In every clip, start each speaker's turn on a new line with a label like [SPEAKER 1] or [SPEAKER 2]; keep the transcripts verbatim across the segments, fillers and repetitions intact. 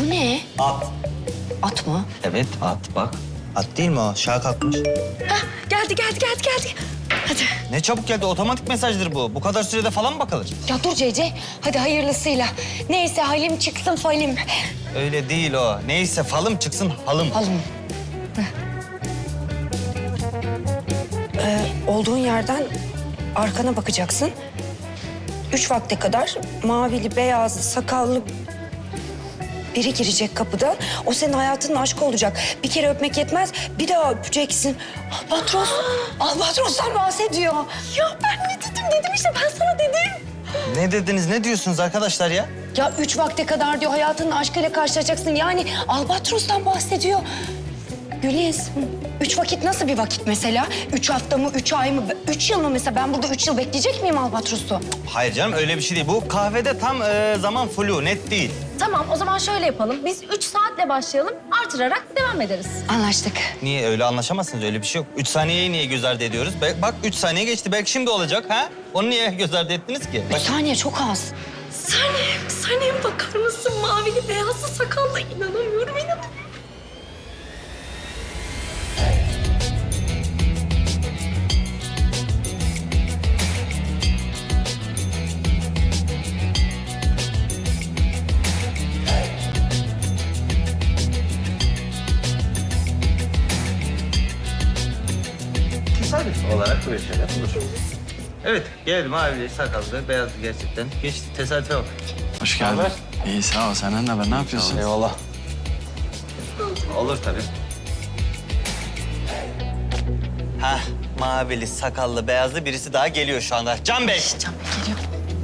[SPEAKER 1] Bu ne?
[SPEAKER 2] At.
[SPEAKER 1] At mı?
[SPEAKER 2] Evet at bak. At değil mi o? Şaha kalkmış.
[SPEAKER 1] Hah, geldi geldi geldi geldi. Hadi.
[SPEAKER 2] Ne çabuk geldi. Otomatik mesajdır bu. Bu kadar sürede falan mı bakılır?
[SPEAKER 1] Ya dur Cece. Hadi hayırlısıyla. Neyse halim çıksın falim.
[SPEAKER 2] Öyle değil o. Neyse falım çıksın halım.
[SPEAKER 1] Halım. Ee, olduğun yerden arkana bakacaksın. Üç vakte kadar mavili, beyazlı, sakallı biri girecek kapıdan. O senin hayatının aşkı olacak. Bir kere öpmek yetmez, bir daha öpeceksin. Albatros, Albatros'tan bahsediyor. Ya ben ne dedim? Dedim işte, ben sana dedim.
[SPEAKER 2] Ne dediniz? Ne diyorsunuz arkadaşlar ya?
[SPEAKER 1] Ya üç vakte kadar diyor hayatının aşkıyla karşılaşacaksın. Yani Albatros'tan bahsediyor. Güliz, üç vakit nasıl bir vakit mesela? Üç hafta mı, üç ay mı, üç yıl mı mesela? Ben burada üç yıl bekleyecek miyim Albatros'u?
[SPEAKER 2] Hayır canım öyle bir şey değil. Bu kahvede tam e, zaman flu, net değil.
[SPEAKER 3] Tamam, o zaman şöyle yapalım. Biz üç saatle başlayalım, artırarak devam ederiz.
[SPEAKER 1] Anlaştık.
[SPEAKER 2] Niye? Öyle anlaşamazsınız. Öyle bir şey yok. Üç saniyeyi niye göz ardı ediyoruz? Be- bak üç saniye geçti. Belki şimdi olacak ha? Onu niye göz ardı ettiniz ki?
[SPEAKER 1] Bir saniye çok az.
[SPEAKER 3] Sanem, Sanem bakar mısın? Mavili, beyazlı sakallı. İnanamıyorum, inanamıyorum.
[SPEAKER 2] Tesadüf olarak böyle şeyler olur. Evet, geldim abi. Sakallı, beyazlı gerçekten. Geçti, tesadüfe bak.
[SPEAKER 4] Hoş geldin.
[SPEAKER 2] Haber?
[SPEAKER 4] İyi sağ ol. Senden ne haber? Ne yapıyorsun?
[SPEAKER 2] Eyvallah. Olur tabii. Hah, mavili, sakallı, beyazlı birisi daha geliyor şu anda. Can Bey.
[SPEAKER 1] Can Bey geliyor.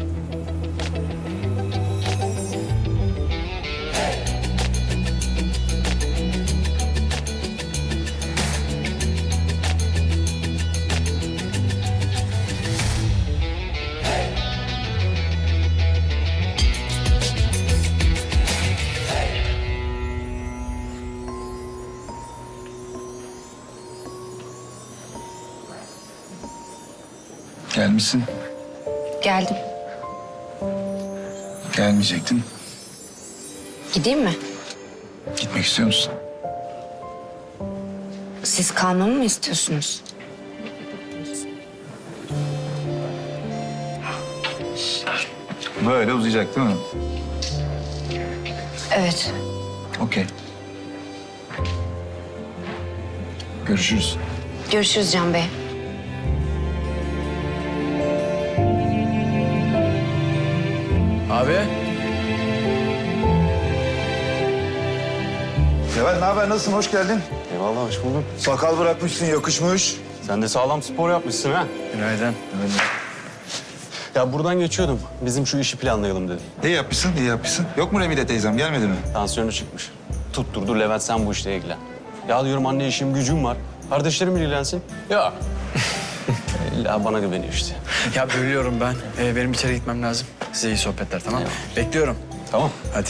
[SPEAKER 4] Gelmişsin.
[SPEAKER 1] Geldim.
[SPEAKER 4] Gelmeyecektin.
[SPEAKER 1] Gideyim mi?
[SPEAKER 4] Gitmek istiyor musun?
[SPEAKER 1] Siz kalmamı mı istiyorsunuz?
[SPEAKER 4] Böyle uzayacak değil mi?
[SPEAKER 1] Evet.
[SPEAKER 4] Okey. Görüşürüz.
[SPEAKER 1] Görüşürüz Can Bey.
[SPEAKER 4] Abi.
[SPEAKER 5] Seval ne haber? Nasılsın? Hoş geldin.
[SPEAKER 6] Eyvallah, hoş bulduk.
[SPEAKER 5] Sakal bırakmışsın, yakışmış.
[SPEAKER 6] Sen de sağlam spor yapmışsın ha.
[SPEAKER 4] Günaydın.
[SPEAKER 6] Ya buradan geçiyordum. Bizim şu işi planlayalım dedim.
[SPEAKER 5] İyi yapmışsın, iyi yapmışsın. Yok mu Remide teyzem? Gelmedi mi?
[SPEAKER 6] Tansiyonu çıkmış. Tutturdu Levent sen bu işle ilgilen. Ya diyorum anne işim gücüm var. Kardeşlerim ilgilensin. Ya. İlla bana güveniyor işte.
[SPEAKER 4] Ya bölüyorum ben. Ee, benim içeri gitmem lazım. Size iyi sohbetler tamam mı? Bekliyorum.
[SPEAKER 6] Tamam.
[SPEAKER 4] Hadi.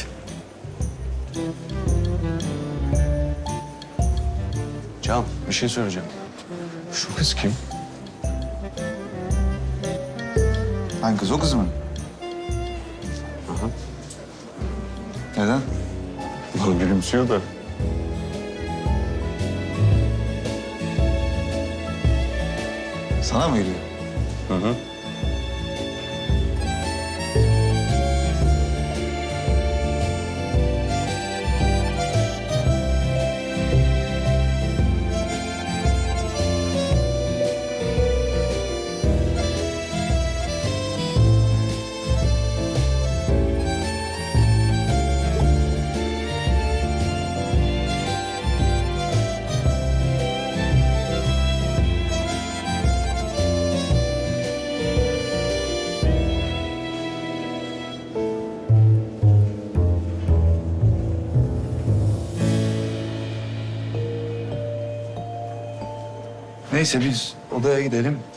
[SPEAKER 6] Can bir şey söyleyeceğim. Şu kız kim?
[SPEAKER 5] Hangi kız? O kız mı?
[SPEAKER 6] Aha.
[SPEAKER 5] Neden?
[SPEAKER 6] Bana gülümsüyor da.
[SPEAKER 5] Sana mı geliyor?
[SPEAKER 6] Hı hı.
[SPEAKER 5] Neyse biz odaya gidelim.